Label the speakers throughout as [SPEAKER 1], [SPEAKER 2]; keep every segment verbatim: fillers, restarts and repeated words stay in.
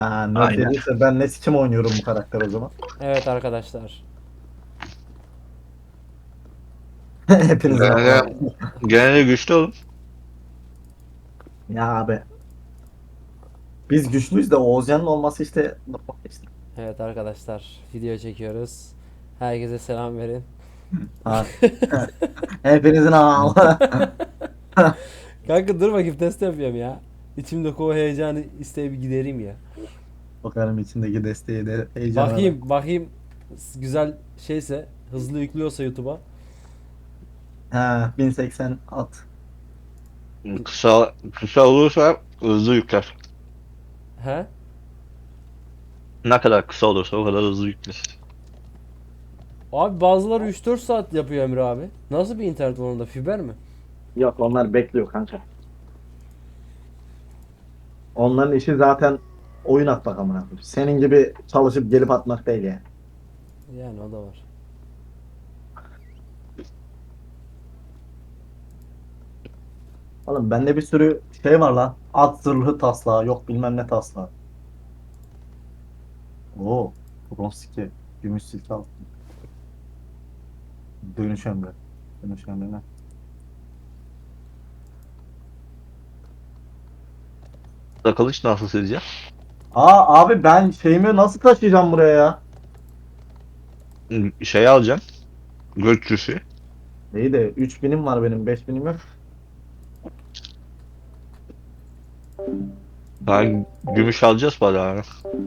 [SPEAKER 1] Ha, nerf
[SPEAKER 2] Aynen.
[SPEAKER 1] yediyse ben ne sikim oynuyorum bu karakter o zaman.
[SPEAKER 3] Evet arkadaşlar.
[SPEAKER 1] Hepinizin
[SPEAKER 2] Gene,
[SPEAKER 1] ama.
[SPEAKER 2] gene de güçlü oğlum.
[SPEAKER 1] Ya abi. Biz güçlüyüz de Oğuzcan'ın olması işte. işte.
[SPEAKER 3] Evet arkadaşlar. Video çekiyoruz. Herkese selam verin.
[SPEAKER 1] Ha. Hepinizin ama.
[SPEAKER 3] Kanka dur bakayım test yapıyorum ya. İçimdeki o heyecanı isteği bir gidereyim ya.
[SPEAKER 1] Bakarım içindeki desteği de heyecana da.
[SPEAKER 3] Bakayım bakayım güzel şeyse hızlı yüklüyorsa YouTube'a.
[SPEAKER 1] Ha, bin seksen at.
[SPEAKER 2] Kısa, kısa olursa hızlı yükler.
[SPEAKER 3] He?
[SPEAKER 2] Ne kadar kısa olursa o kadar hızlı yükler.
[SPEAKER 3] Abi bazıları üç dört saat yapıyor Emre abi. Nasıl bir internet var onda? Fiber mi?
[SPEAKER 1] Yok onlar bekliyor kanka. Onların işi zaten oyun atmak amına koyayım. Senin gibi çalışıp gelip atmak değil yani.
[SPEAKER 3] Yani o da var.
[SPEAKER 1] Oğlum bende bir sürü şey var lan. At zırhlı taslağı yok bilmem ne taslağı. Oo. Bronz silke. Gümüş silke al. Dönüş emri. Dönüş emri ne?
[SPEAKER 2] Da kılıç nasıl sileceğim?
[SPEAKER 1] Aa abi ben şeyimi nasıl taşıyacağım buraya ya?
[SPEAKER 2] Şey alacağım. Göççüsü.
[SPEAKER 1] İyi de üç binim var benim beş binim yok.
[SPEAKER 2] Daha gümüş alacağız bari abi.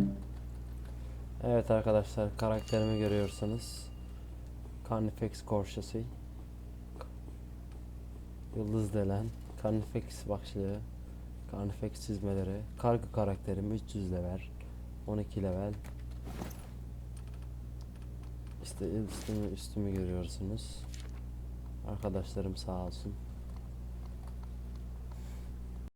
[SPEAKER 3] Evet arkadaşlar karakterimi görüyorsanız. Carnifex Corsair. Yıldız delen. Carnifex başlığı. Carnifex çizmeleri. Kargı karakterim üç yüz level. on iki level. İşte üstümü, üstümü görüyorsunuz. Arkadaşlarım sağ olsun.